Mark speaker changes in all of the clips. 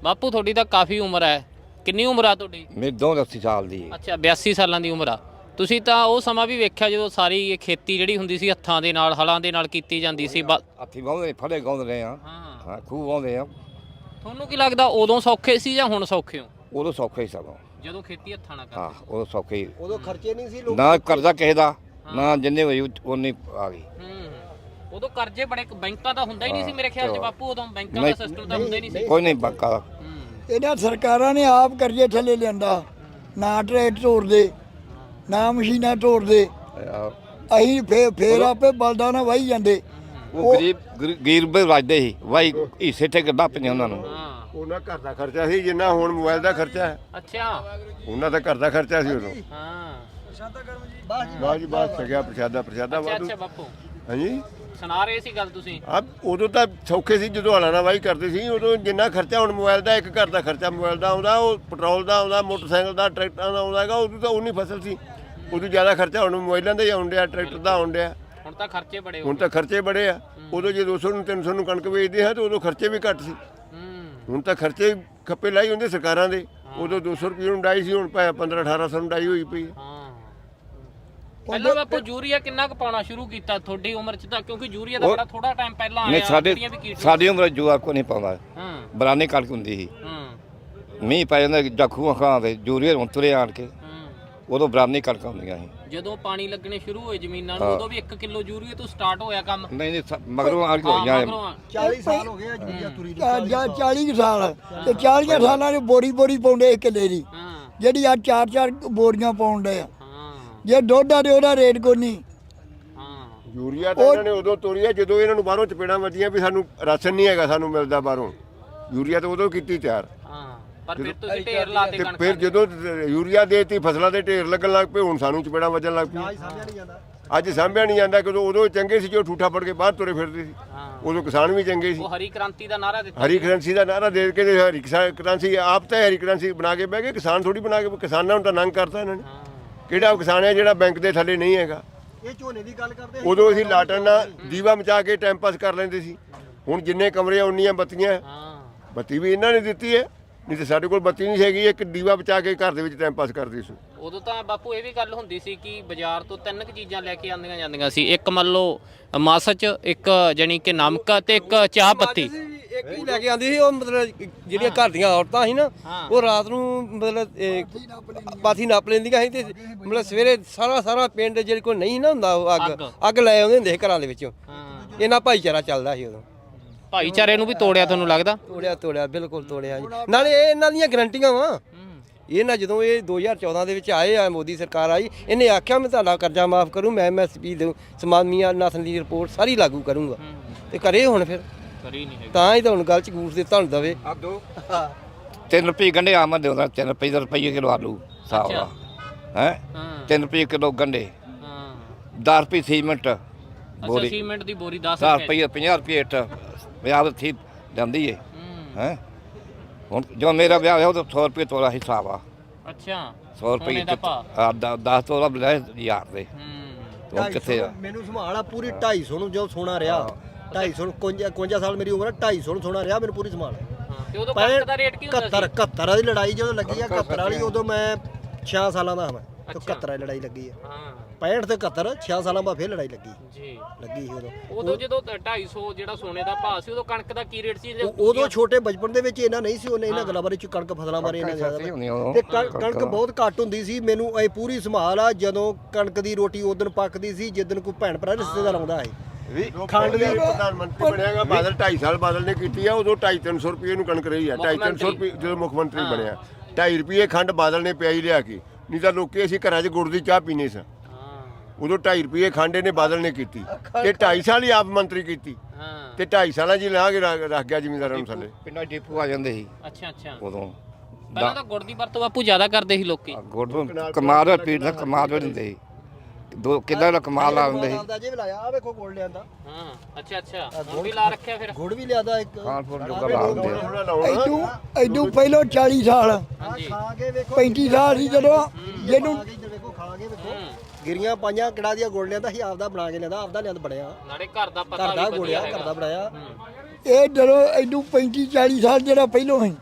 Speaker 1: ਬਾਪੂ ਤੁਹਾਡੀ ਤਾਂ ਕਾਫੀ ਉਮਰ ਹੈ, ਕਿੰਨੀ ਉਮਰ ਆ ਤੁਹਾਡੀ?
Speaker 2: ਮੇਰੀ 82 ਸਾਲ ਦੀ ਹੈ।
Speaker 1: ਅੱਛਾ 82 ਸਾਲਾਂ ਦੀ ਉਮਰ ਆ। ਤੁਸੀਂ ਤਾਂ ਉਹ ਸਮਾਂ ਵੀ ਵੇਖਿਆ ਜਦੋਂ ਸਾਰੀ ਇਹ ਖੇਤੀ ਜਿਹੜੀ ਹੁੰਦੀ ਸੀ ਹੱਥਾਂ ਦੇ ਨਾਲ ਹਲਾਂ ਦੇ ਨਾਲ ਕੀਤੀ ਜਾਂਦੀ ਸੀ।
Speaker 2: ਹੱਥੀ ਵਾਹੁੰਦੇ ਫੜੇ ਗਾਉਂਦੇ ਰਹੇ ਆ। ਹਾਂ ਖੂਹ ਵਾਹੁੰਦੇ ਆ।
Speaker 1: ਤੁਹਾਨੂੰ ਕੀ ਲੱਗਦਾ ਉਦੋਂ ਸੌਖੇ ਸੀ ਜਾਂ ਹੁਣ ਸੌਖੇ ਹੋ?
Speaker 2: ਉਦੋਂ ਸੌਖਾ ਹੀ ਸਗੋਂ।
Speaker 1: ਜਦੋਂ ਖੇਤੀ ਹੱਥਾਂ ਨਾਲ
Speaker 2: ਹਾਂ
Speaker 1: ਕਰਦੇ
Speaker 2: ਉਦੋਂ ਸੌਖਾ ਹੀ।
Speaker 3: ਉਦੋਂ ਖਰਚੇ ਨਹੀਂ ਸੀ ਲੋਕ
Speaker 2: ਨਾ ਕਰਜ਼ਾ ਕਿਸੇ ਦਾ ਨਾ ਜਿੰਨੇ ਹੋਈ ਉਨੀ ਆ ਗਈ।
Speaker 1: ਉਦੋਂ ਕਰਜ਼ੇ ਬੜੇ, ਬੈਂਕਾਂ ਦਾ ਹੁੰਦਾ ਹੀ ਨਹੀਂ ਸੀ ਮੇਰੇ ਖਿਆਲ 'ਚ ਬਾਪੂ। ਉਦੋਂ ਬੈਂਕਾਂ ਦਾ ਸਿਸਟਮ ਤਾਂ ਹੁੰਦਾ ਹੀ ਨਹੀਂ ਸੀ।
Speaker 2: ਕੋਈ ਨਹੀਂ ਬੰਕਾ ਦਾ।
Speaker 4: ਇਹਨਾਂ ਸਰਕਾਰਾਂ ਨੇ ਆਪ ਕਰਜ਼ੇ ਥੱਲੇ ਲਿਆਂਦਾ। ਨਾ ਟਰੈਕਟਰ ਤੋੜਦੇ ਨਾ ਮਸ਼ੀਨਾਂ ਤੋੜਦੇ। ਅਸੀਂ ਫੇਰ ਆਪੇ ਬਲਦਾਂ ਨਾਲ ਵਾਹੀ ਜਾਂਦੇ।
Speaker 2: ਉਹ ਗਰੀਬ ਰਾਜਦੇ ਸੀ ਵਾਈ ਹਿੱਸੇ ਤੇ ਗੱਡਾ ਪਈਆਂ ਉਹਨਾਂ ਨੂੰ।
Speaker 3: ਉਹਨਾਂ ਘਰ ਦਾ ਖਰਚਾ ਸੀ ਜਿੰਨਾ ਹੁਣ ਮੋਬਾਈਲ ਦਾ ਖਰਚਾ ਹੈ।
Speaker 1: ਅੱਛਾ
Speaker 3: ਉਹਨਾਂ ਦਾ ਘਰ ਦਾ ਖਰਚਾ ਸੀ ਉਦੋਂ।
Speaker 1: ਹਾਂ
Speaker 3: ਬਾਅਦ ਜੀ ਬਾਅਦ ਸਕਿਆ ਪ੍ਰਸ਼ਾਦਾ ਵਾਧੂ।
Speaker 1: ਅੱਛਾ ਬਾਪੂ
Speaker 3: ਹਾਂਜੀ
Speaker 1: ਸੁਣਾ ਰਹੇ ਸੀ ਗੱਲ ਤੁਸੀਂ।
Speaker 3: ਉਦੋਂ ਤਾਂ ਸੌਖੇ ਸੀ ਜਦੋਂ ਹਲਾਂ ਨਾਲ ਵਾਹੀ ਕਰਦੇ ਸੀ। ਉਦੋਂ ਜਿੰਨਾ ਖਰਚਾ ਹੁਣ ਮੋਬਾਈਲ ਦਾ, ਇੱਕ ਘਰ ਦਾ ਖਰਚਾ ਮੋਬਾਈਲ ਦਾ ਆਉਂਦਾ, ਉਹ ਪੈਟਰੋਲ ਦਾ ਆਉਂਦਾ, ਮੋਟਰਸਾਈਕਲ ਦਾ, ਟਰੈਕਟਰਾਂ ਦਾ ਆਉਂਦਾ ਹੈਗਾ। ਉਦੋਂ ਤਾਂ ਉਨੀ ਫਸਲ ਸੀ। ਉਦੋਂ ਜ਼ਿਆਦਾ ਖਰਚਾ ਹੁਣ ਮੋਬਾਈਲਾਂ ਦਾ ਹੀ ਆਉਣ ਡਿਆ, ਟਰੈਕਟਰ ਦਾ ਆਉਣ ਡਿਆ।
Speaker 1: ਹੁਣ ਤਾਂ ਖਰਚੇ ਬੜੇ ਹੋ
Speaker 3: ਹੁਣ ਤਾਂ ਖਰਚੇ ਬੜੇ ਆ। ਉਦੋਂ ਜੇ 200 ਨੂੰ 300 ਨੂੰ ਕਣਕ ਵੇਚਦੇ ਆ ਤਾਂ ਉਦੋਂ ਖਰਚੇ ਵੀ ਘੱਟ ਸੀ। ਹੁਣ ਤਾਂ ਖਰਚੇ ਖੱਪੇ ਲਾਈ ਹੁੰਦੇ ਸਰਕਾਰਾਂ ਦੇ। ਉਦੋਂ 200 ਰੁਪਏ ਨੂੰ ਡਾਈ ਸੀ, ਹੁਣ 1500-1800 ਨੂੰ ਡਾਈ ਹੋਈ ਪਈ।
Speaker 1: ਪਹਿਲਾਂ ਬਾਪੂ ਯੂਰੀਆ ਕਿੰਨਾ ਕੁ ਪਾਉਣਾ ਸ਼ੁਰੂ ਕੀਤਾ ਤੁਹਾਡੀ ਉਮਰ 'ਚ? ਤਾਂ ਕਿਉਂਕਿ ਯੂਰੀਆ ਦਾ ਬੜਾ ਥੋੜਾ ਟਾਈਮ ਪਹਿਲਾਂ
Speaker 2: ਨਹੀਂ
Speaker 1: ਆਇਆ।
Speaker 2: ਸਾਡੀ ਉਮਰ ਜੂਆ ਕੋ ਨਹੀਂ ਪਾਉਂਦਾ। ਬਰਾਨੀ ਕਣਕ ਹੁੰਦੀ ਸੀ। ਮੀਂਹ ਪੈ ਜਾਂਦਾ ਜਖੂਆਂ ਖਾਂ ਤੇ ਯੂਰੀਆ ਹੁਣ ਤੁਰੇ ਆਣ ਕੇ। ਉਦੋਂ ਬਰਾਨੀ ਕਣਕਾਂ ਹੁੰਦੀਆਂ ਸੀ।
Speaker 1: ਜਦੋਂ ਪਾਣੀ ਲੱਗਣੇ ਸ਼ੁਰੂ ਹੋਏ ਜ਼ਮੀਨਾਂ ਨੂੰ ਉਦੋਂ ਵੀ 1 ਕਿਲੋ ਯੂਰੀਆ ਤੋਂ ਸਟਾਰਟ ਹੋਇਆ ਕੰਮ।
Speaker 2: ਨਹੀਂ ਮਗਰੋਂ ਆ ਕੇ ਹੋਈਆਂ।
Speaker 4: 40 ਸਾਲ ਹੋ ਗਏ ਯੂਰੀਆ ਤੁਰੀ। 40 ਸਾਲ ਤੇ 40 ਸਾਲਾਂ ਦੇ ਬੋਰੀ ਪਾਉਂਦੇ ਇੱਕ ਕਿੱਲੇ ਦੀ, ਜਿਹੜੀ ਆ 4-4 ਬੋਰੀਆਂ ਪਾਉਂਦੇ ਆ। ਜੇ ਦੁੱਧ ਆ ਤੇ ਉਹਦਾ ਰੇਟ ਕੋਈ ਨਹੀਂ।
Speaker 3: ਯੂਰੀਆ ਤਾਂ ਇਹਨਾਂ ਨੇ ਉਦੋਂ ਤੋਰੀਆ ਜਦੋਂ ਇਹਨਾਂ ਨੂੰ ਬਾਹਰੋਂ ਚਪੇੜਾਂ ਵੱਜੀਆਂ ਵੀ ਸਾਨੂੰ ਰਾਸ਼ਨ ਨਹੀਂ ਹੈਗਾ, ਸਾਨੂੰ ਮਿਲਦਾ ਬਾਹਰੋਂ। ਯੂਰੀਆ ਤਾਂ ਉਦੋਂ ਕੀਤੀ ਤਿਆਰ।
Speaker 1: ਪਰ ਫਿਰ ਤੁਸੀਂ ਢੇਰ ਲਾਤੇ
Speaker 3: ਤੇ
Speaker 1: ਕਣਕ।
Speaker 3: ਫਿਰ ਜਦੋਂ ਯੂਰੀਆ ਦੇਤੀ ਫਸਲਾਂ ਦੇ ਢੇਰ ਲੱਗਣ ਲੱਗ ਪਏ, ਹੁਣ ਸਾਨੂੰ ਚਪੇੜਾਂ ਵੱਜਣ ਲੱਗ ਪਈਆਂ। ਅੱਜ ਸਾਂਭਿਆ ਨਹੀਂ ਜਾਂਦਾ। ਕਿਉਂਕਿ ਉਦੋਂ ਚੰਗੇ ਸੀ ਜੋ ਠੂਠਾ ਫੜ ਕੇ ਬਾਹਰ ਤੁਰੇ ਫਿਰਦੇ ਸੀ। ਉਦੋਂ ਕਿਸਾਨ ਵੀ ਚੰਗੇ ਸੀ।
Speaker 1: ਉਹ ਹਰੀ ਕ੍ਰਾਂਤੀ ਦਾ ਨਾਰਾ ਦਿੱਤਾ।
Speaker 3: ਹਰੀ ਕ੍ਰਾਂਤੀ ਦਾ ਨਾਰਾ ਦੇ ਕੇ ਹਰੀ ਕ੍ਰਾਂਤੀ ਆਪ ਤਾਂ ਹਰੀ ਕ੍ਰਾਂਤੀ ਬਣਾ ਕੇ ਬਹਿ ਗਏ। ਕਿਸਾਨ ਥੋੜੀ ਬਣਾ ਕੇ, ਕਿਸਾਨਾਂ ਨੂੰ ਤਾਂ ਨੰਗ ਕਰਤਾ ਇਹਨਾਂ ਨੇ। ਕਿਹੜਾ ਕਿਸਾਨ ਹੈ ਜਿਹੜਾ ਬੈਂਕ ਦੇ ਥੱਲੇ ਨਹੀਂ ਹੈਗਾ?
Speaker 4: ਇਹ ਝੋਨੇ ਦੀ ਗੱਲ ਕਰਦੇ।
Speaker 3: ਉਦੋਂ ਅਸੀਂ ਲਾਟਣ ਨਾਲ ਦੀਵਾ ਮਚਾ ਕੇ ਟਾਈਮ ਪਾਸ ਕਰ ਲੈਂਦੇ ਸੀ। ਹੁਣ ਜਿੰਨੇ ਕਮਰੇ ਉਨੀਆਂ ਬੱਤੀਆਂ। ਬੱਤੀ ਵੀ ਇਹਨਾਂ ਨੇ ਦਿੱਤੀ ਹੈ, ਨਹੀਂ ਤੇ ਸਾਡੇ ਕੋਲ ਬੱਤੀ ਨਹੀਂ ਹੈਗੀ। ਇੱਕ ਦੀਵਾ ਬਚਾ ਕੇ ਘਰ ਦੇ ਵਿੱਚ ਟਾਈਮ ਪਾਸ ਕਰਦੇ ਸੀ।
Speaker 1: ਉਦੋਂ ਤਾਂ ਬਾਪੂ ਇਹ ਵੀ ਗੱਲ ਹੁੰਦੀ ਸੀ ਕਿ ਬਾਜ਼ਾਰ ਤੋਂ 3 ਚੀਜ਼ਾਂ ਲੈ ਕੇ ਆਉਂਦੀਆਂ ਜਾਂਦੀਆਂ ਸੀ। ਇੱਕ ਮੰਨ ਲਓ ਮਾਸਚ, ਇੱਕ ਜਾਨੀ ਕਿ ਨਮਕ ਤੇ ਇੱਕ ਚਾਹ ਪੱਤੀ।
Speaker 5: ਇੱਕ ਹੀ ਲੈ ਕੇ ਆਉਂਦੀ ਸੀ। ਉਹ ਮਤਲਬ ਜਿਹੜੀਆਂ ਘਰ ਦੀਆਂ ਔਰਤਾਂ ਸੀ ਨਾ, ਉਹ ਰਾਤ ਨੂੰ ਮਤਲਬ ਪਾਥੀ ਨਾਪ ਲੈਂਦੀਆਂ ਸੀ ਤੇ ਮਤਲਬ ਸਵੇਰੇ ਸਾਰਾ ਪਿੰਡ ਜਿਹੜੇ ਕੋਲ ਨਹੀਂ ਨਾ ਹੁੰਦਾ ਉਹ ਅੱਗ ਲੈ ਆਉਂਦੇ ਹੁੰਦੇ ਸੀ ਘਰਾਂ ਦੇ ਵਿੱਚੋਂ। ਇਹਨਾਂ ਭਾਈਚਾਰਾ ਚੱਲਦਾ ਸੀ ਉਦੋਂ।
Speaker 1: ਭਾਈਚਾਰੇ ਨੂੰ ਵੀ ਤੋੜਿਆ ਤੁਹਾਨੂੰ ਲੱਗਦਾ?
Speaker 5: ਤੋੜਿਆ ਬਿਲਕੁਲ ਤੋੜਿਆ ਜੀ। ਨਾਲੇ ਇਹ ਇਹਨਾਂ ਦੀਆਂ ਗਰੰਟੀਆਂ ਵਾ। ਇਹ ਨਾ ਜਦੋਂ ਇਹ 2014 ਦੇ ਵਿੱਚ ਆਏ ਆ, ਮੋਦੀ ਸਰਕਾਰ ਆਈ, ਇਹਨੇ ਆਖਿਆ ਮੈਂ ਤੁਹਾਡਾ ਕਰਜ਼ਾ ਮਾਫ ਕਰੂੰ, ਮੈਂ MSP ਦੇ ਸਮਾਨੀਆਂ ਨਸਲ ਦੀ ਰਿਪੋਰਟ ਸਾਰੀ ਲਾਗੂ ਕਰੂੰਗਾ। ਤੇ ਕਰੇ ਹੁਣ ਫਿਰ
Speaker 1: ਕਰੀ ਨਹੀਂ
Speaker 5: ਤਾਂ ਹੀ ਤਾਂ ਹੁਣ ਗੱਲ ਚ ਗੂਠ ਦੇ ਤੁਹਾਨੂੰ ਦਵੇ।
Speaker 2: 3 ਰੁਪਏ ਗੰਢੇ ਆਮਦ ਦੇ ਹੁੰਦਾ। 3 ਰੁਪਏ ਕਿਲੋ ਆਲੂ ਸਾਹ ਦਾ ਹੈ। 3 ਰੁਪਏ ਕਿਲੋ ਗੰਢੇ। 10 ਰੁਪਏ ਸੀਮੈਂਟ ਬੋਰੀ।
Speaker 1: ਸੀਮੈਂਟ ਦੀ ਬੋਰੀ 10
Speaker 2: ਰੁਪਏ 50 ਰੁਪਏ ਇੱਟ ਵਿਆਹ ਥੀ ਜਾਂਦੀ ਹੈ। ਹੈ ਹੁਣ ਜੋ ਮੇਰਾ ਵਿਆਹ ਹੋਇਆ ਉਹ 100 ਰੁਪਏ ਤੋਲਾ ਹਿਸਾਬ ਆ।
Speaker 1: ਅੱਛਾ
Speaker 2: 100 ਰੁਪਏ 10 ਤੋਲਾ ਬਲੇ ਯਾਰ ਦੇ। ਉਹ ਕਿੱਥੇ ਆ?
Speaker 6: ਮੈਨੂੰ ਸੰਭਾਲ ਆ ਪੂਰੀ 250 ਨੂੰ ਜੋ ਸੋਨਾ ਰਿਹਾ। 250 51 ਸਾਲ ਮੇਰੀ ਉਮਰ ਹੈ। 250 ਨੂੰ ਸੋਨਾ ਰਿਹਾ ਮੈਨੂੰ ਪੂਰੀ ਸੰਭਾਲ।
Speaker 1: ਤੇ ਉਦੋਂ ਕਣਕ ਦਾ ਰੇਟ ਕੀ ਹੁੰਦਾ ਸੀ?
Speaker 6: 71 ਵਾਲੀ ਲੜਾਈ ਜਦੋਂ ਲੱਗੀ ਆ, 71 ਵਾਲੀ ਉਦੋਂ ਮੈਂ 6 ਸਾਲਾਂ ਦਾ ਹਾਂ। ਮੈਂ 71 ਵਾਲੀ ਲੜਾਈ ਲੱਗੀ ਆ। 65 ਤੇ 71 6 ਸਾਲਾਂ ਬਾਅਦ ਫਿਰ ਲੜਾਈ ਲੱਗੀ ਸੀ
Speaker 1: ਉਦੋਂ ਜਦੋਂ 250 ਜਿਹੜਾ ਸੋਨੇ ਦਾ ਭਾਅ ਸੀ, ਉਦੋਂ ਕਣਕ ਦਾ ਕੀ ਰੇਟ ਸੀ?
Speaker 6: ਉਦੋਂ ਛੋਟੇ ਬਚਪਨ ਦੇ ਵਿੱਚ ਇਹਨਾਂ ਨਹੀਂ ਸੀ। ਉਹਨੇ ਇਹਨਾਂ ਗੱਲਾਂ ਬਾਰੇ ਕਣਕ ਫਸਲਾਂ ਬਾਰੇ ਇਹਨਾਂ ਜ਼ਿਆਦਾ ਤੇ ਕਣਕ ਬਹੁਤ ਘੱਟ ਹੁੰਦੀ ਸੀ। ਮੈਨੂੰ ਇਹ ਪੂਰੀ ਸੰਭਾਲ ਆ ਜਦੋਂ ਕਣਕ ਦੀ ਰੋਟੀ ਉਦੋਂ ਪੱਕਦੀ ਸੀ ਜਿੱਦਣ ਕੋਈ ਭੈਣ ਭਰਾ ਰਿਸ਼ਤੇਦਾਰ ਆਉਂਦਾ ਹੈ।
Speaker 3: ਖੰਡ ਦੀ ਪ੍ਰਧਾਨ ਮੰਤਰੀ ਬਣਿਆਗਾ ਬਾਦਲ 2.5 ਸਾਲ ਬਾਦਲ ਨੇ ਕੀਤੀ ਆ। ਉਦੋਂ 250-300 ਰੁਪਏ ਨੂੰ ਕਣਕ ਰਹੀ ਆ। 250-300 ਰੁਪਏ ਜਦੋਂ ਮੁੱਖ ਮੰਤਰੀ ਬਣਿਆ 2.5 ਰੁਪਏ ਖੰਡ ਬਾਦਲ ਨੇ ਪਿਆਈ ਲਿਆ ਕੇ। ਨਹੀਂ ਤਾਂ ਲੋਕੀ ਅਸੀਂ ਘਰਾਂ 'ਚ ਗੁੜ ਦੀ ਚਾਹ ਪੀਨੇ ਸਾਂ। ਉਦੋਂ 2.5 ਰੁਪਏ ਖੰਡ ਇਹਨੇ ਬਾਦਲ ਨੇ ਕੀਤੀ ਤੇ 2.5 ਸਾਲ ਹੀ ਆਪ ਮੰਤਰੀ ਕੀਤੀ ਤੇ 2.5 ਸਾਲਾਂ 'ਚ ਲਾ ਕੇ ਰੱਖ ਗਿਆ ਜ਼ਿਮੀਂਦਾਰਾਂ ਨੂੰ ਥੱਲੇ।
Speaker 2: ਪਿੰਡਾਂ ਡਿਪੂ ਆ ਜਾਂਦੇ ਸੀ।
Speaker 1: ਅੱਛਾ
Speaker 2: ਉਦੋਂ
Speaker 1: ਪਹਿਲਾਂ ਤਾਂ ਗੁੜ ਦੀ ਵਰਤੋਂ ਬਾਪੂ ਜ਼ਿਆਦਾ ਕਰਦੇ ਸੀ ਲੋਕੀ।
Speaker 2: ਗੁੜ ਕਮਾਲ ਪੀੜ ਦਾ ਕਮਾਲ ਦਿੰਦੇ ਸੀ। ਦੋ ਕਿੱਦਾਂ ਦਾ ਕਮਾਲ ਲਾ ਦਿੰਦੇ ਸੀ।
Speaker 6: ਜੇ ਵੀ ਲਾਇਆ ਆ ਵੇਖੋ ਗੁੜ ਲਿਆਂਦਾ।
Speaker 1: ਅੱਛਾ ਗੁੜ ਵੀ ਲਾ ਰੱਖਿਆ ਫਿਰ।
Speaker 6: ਗੁੜ ਵੀ ਲਿਆਦਾ ਇੱਕ
Speaker 2: ਖਾਨਪੁਰ ਜੋਗਾ ਲਾ ਦਿੰਦੇ ਆ।
Speaker 4: ਐਡੂ ਪਹਿਲੋਂ 40 ਸਾਲ 35 ਸਾਲ ਸੀ ਜਦੋਂ ਜਿਹਨੂੰ
Speaker 6: ਵੇਖੋ ਖਾ ਕੇ ਵੇਖੋ ਗਿਰੀਆਂ ਪਾਈਆਂ ਕਿਹੜਾ ਦੀਆਂ ਗੁੜ ਲਿਆਂਦਾ ਸੀ। ਆਪਦਾ ਬਣਾ ਕੇ ਲਿਆਂਦਾ, ਆਪਦਾ ਲਿਆਂਦ ਬਣਿਆ।
Speaker 1: ਨਾਲੇ ਘਰ ਦਾ ਪਤਾ
Speaker 6: ਘਰ ਦਾ ਗੁੜਿਆ, ਘਰ ਦਾ ਬਣਾਇਆ।
Speaker 4: ਇਹ ਜਦੋਂ ਐਡੂ 35 40 ਸਾਲ ਜਿਹੜਾ ਪਹਿਲੋਂ ਸੀ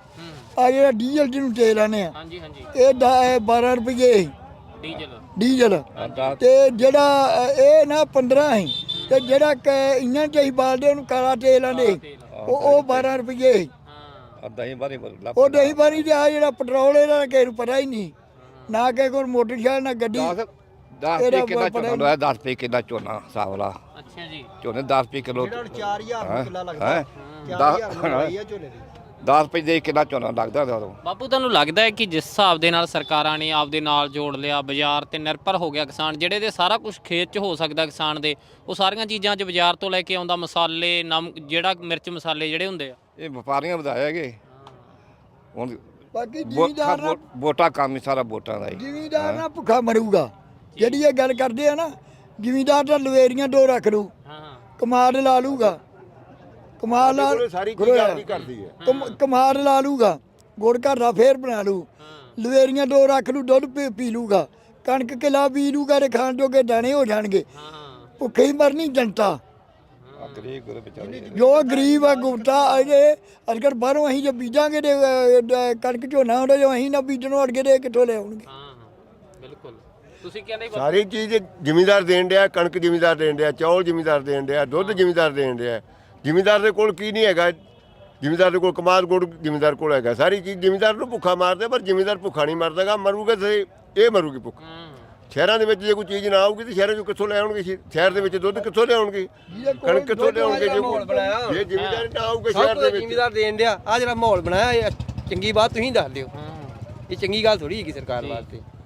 Speaker 4: ਆ ਜਿਹੜਾ ਡੀਜ਼ਲ ਜਿਹਨੂੰ ਤੇਲ ਆਨੇ ਆ
Speaker 1: ਹਾਂਜੀ ਹਾਂਜੀ
Speaker 4: ਇਹ 12 ਰੁਪਏ
Speaker 1: ਡੀਜ਼ਲ
Speaker 4: ਡੀਜ਼ਲ ਤੇ ਜਿਹੜਾ ਇਹ ਨਾ 15 ਹੈ ਤੇ ਜਿਹੜਾ ਇੰਜਣ ਚ ਅਸੀਂ ਬਾਲਦੇ ਉਹਨੂੰ ਕਾਲਾ ਤੇਲ ਆਂਦੇ ਉਹ 12 ਰੁਪਏ
Speaker 1: ਹਾਂ
Speaker 2: ਦਹੀਂ ਬਾਰੇ
Speaker 4: ਉਹ ਦਹੀਂ ਪਾਣੀ ਤੇ ਆ ਜਿਹੜਾ ਪੈਟਰੋਲ ਇਹਦਾ ਕਿਸੇ ਨੂੰ ਪਤਾ ਹੀ ਨਹੀਂ ਨਾ ਕਿਸੇ ਕੋਲ ਮੋਟਰਸਾਈਕਲ ਨਾ ਗੱਡੀ
Speaker 2: 10 ਰੁਪਏ ਕਿੱਲਾ ਝੋਨਾ ਲਾਇਆ 10 ਰੁਪਏ ਕਿੱਲਾ ਝੋਨਾ ਹਿਸਾਬ ਵਾਲਾ
Speaker 1: ਅੱਛਾ ਜੀ
Speaker 2: ਝੋਨੇ 10 ਰੁਪਏ ਕਿਲੋ
Speaker 6: ਜਿਹੜਾ 4000 ਰੁਪਏ ਕਿੱਲਾ ਲੱਗਦਾ
Speaker 2: ਹੈਂ?
Speaker 6: 4000 ਰੁਪਏ ਆ ਝੋਨੇ ਦੀ
Speaker 2: 10 ਰੁਪਏ ਦੇ ਕਿੱਲਾ ਝੋਨਾ ਲੱਗਦਾ ਉਦੋਂ
Speaker 1: ਬਾਪੂ ਤੁਹਾਨੂੰ ਲੱਗਦਾ ਹੈ ਕਿ ਜਿਸ ਹਿਸਾਬ ਦੇ ਨਾਲ ਸਰਕਾਰਾਂ ਨੇ ਆਪਦੇ ਨਾਲ ਜੋੜ ਲਿਆ ਬਾਜ਼ਾਰ ਤੇ ਨਿਰਭਰ ਹੋ ਗਿਆ ਕਿਸਾਨ ਜਿਹੜੇ ਦੇ ਸਾਰਾ ਕੁਝ ਖੇਤ 'ਚ ਹੋ ਸਕਦਾ ਕਿਸਾਨ ਦੇ ਉਹ ਸਾਰੀਆਂ ਚੀਜ਼ਾਂ 'ਚ ਬਾਜ਼ਾਰ ਤੋਂ ਲੈ ਕੇ ਆਉਂਦਾ ਮਸਾਲੇ ਨਮਕ ਜਿਹੜਾ ਮਿਰਚ ਮਸਾਲੇ ਜਿਹੜੇ ਹੁੰਦੇ ਆ
Speaker 2: ਇਹ ਵਪਾਰੀਆਂ ਵਧਾਇਆ ਹੈਗੇ ਹੁਣ
Speaker 4: ਬਾਕੀ ਜ਼ਿਮੀਦਾਰ ਨਾ
Speaker 2: ਵੋਟਾਂ ਕੰਮ ਹੀ ਸਾਰਾ ਵੋਟਾਂ ਦਾ ਹੀ
Speaker 4: ਜ਼ਿਮੀਦਾਰ ਨਾ ਭੁੱਖਾ ਮਰੂਗਾ ਜਿਹੜੀ ਇਹ ਗੱਲ ਕਰਦੇ ਆ ਨਾ ਜ਼ਿਮੀਦਾਰ ਤਾਂ ਲਵੇਰੀਆਂ 2 ਰੱਖ ਲੂ
Speaker 1: ਹਾਂ
Speaker 4: ਕਮਾਦ ਲਾ ਲੂਗਾ ਕਮਾਦ ਲਾ
Speaker 3: ਕੋਲੇ ਸਾਰੀ ਚੀਜ਼ ਆਪਦੀ ਕਰਦੀ ਹੈ
Speaker 4: ਕਮਾਦ ਲਾ ਲੂਗਾ ਗੁੜ ਘਰ ਦਾ ਫੇਰ ਬਣਾ ਲੂ ਲਵੇਰੀਆਂ 2 ਰੱਖ ਲੂ ਦੁੱਧ ਪੀ ਲੂਗਾ ਕਣਕ ਕਿਲਾ ਪੀ ਲੂਗਾ ਤੇ ਖਾਣ ਜੋਗੇ ਦਾਣੇ ਹੋ ਜਾਣਗੇ
Speaker 1: ਹਾਂ
Speaker 4: ਭੁੱਖੇ ਹੀ ਮਰਨੀ ਜਨਤਾ
Speaker 2: ਗਰੀਬ ਗੁਰੂ ਵਿਚਾਰੇ
Speaker 4: ਜੋ ਗਰੀਬ ਆ ਗੁਪਤਾ ਅਜੇ ਅਗਰ ਬਾਹਰੋਂ ਅਸੀਂ ਜੇ ਬੀਜਾਂਗੇ ਤੇ ਕਣਕ ਝੋਨਾ ਹੁੰਦਾ ਜੋ ਅਸੀਂ ਨਾ ਬੀਜਣੋਂ ਅੜਗੇ ਤੇ ਕਿੱਥੋਂ ਲਿਆਉਣਗੇ
Speaker 1: ਹਾਂ ਬਿਲਕੁਲ ਤੁਸੀਂ ਕਹਿੰਦੇ
Speaker 3: ਸਾਰੀ ਚੀਜ਼ ਜ਼ਿਮੀਦਾਰ ਦੇਣ ਡਿਆ ਕਣਕ ਜ਼ਿਮੀਦਾਰ ਦੇਣ ਡਿਆ ਚੌਲ ਜ਼ਿਮੀਦਾਰ ਦੇਣ ਡਿਆ ਦੁੱਧ ਜ਼ਿਮੀਦਾਰ ਦੇਣ ਡਿਆ ਜ਼ਿਮੀਦਾਰ ਦੇ ਕੋਲ ਕੀ ਨਹੀਂ ਹੈਗਾ ਜ਼ਿਮੀਦਾਰ ਦੇ ਕੋਲ ਕਮਾਦ ਗੁੜ ਜ਼ਿਮੀਦਾਰ ਕੋਲ ਹੈਗਾ ਸਾਰੀ ਚੀਜ਼ ਜ਼ਿਮੀਦਾਰ ਨੂੰ ਭੁੱਖਾ ਮਾਰਦੇ ਪਰ ਜ਼ਿਮੀਦਾਰ ਭੁੱਖਾ ਨਹੀਂ ਮਰਦਾਗਾ ਮਰੂਗਾ ਤੇ ਇਹ ਮਰੂਗੀ ਭੁੱਖ ਸ਼ਹਿਰਾਂ ਦੇ ਵਿੱਚ ਜੇ ਕੋਈ ਚੀਜ਼ ਨਾ ਆਊਗੀ ਤੇ ਸ਼ਹਿਰਾਂ ਚੋਂ ਕਿੱਥੋਂ ਲੈ ਆਉਣਗੇ ਸ਼ਹਿਰ ਦੇ ਵਿੱਚ ਦੁੱਧ ਕਿੱਥੋਂ ਲਿਆਉਣਗੇ ਕਣਕ ਕਿੱਥੋਂ ਲਿਆਉਣਗੇ ਜੇ ਜ਼ਿਮੀਦਾਰ ਨਾ ਆਊਗਾ ਸ਼ਹਿਰ ਦੇ ਵਿੱਚ
Speaker 5: ਜ਼ਿਮੀਦਾਰ ਦੇਣ ਡਿਆ ਆ ਜਿਹੜਾ ਮਾਹੌਲ ਬਣਾਇਆ ਇਹ ਚੰਗੀ ਬਾਤ ਤੁਸੀਂ ਦੱਸ ਦਿਓ ਇਹ ਚੰਗੀ ਗੱਲ ਥੋੜੀ ਹੈਗੀ ਸਰਕਾਰ ਵਾਸਤੇ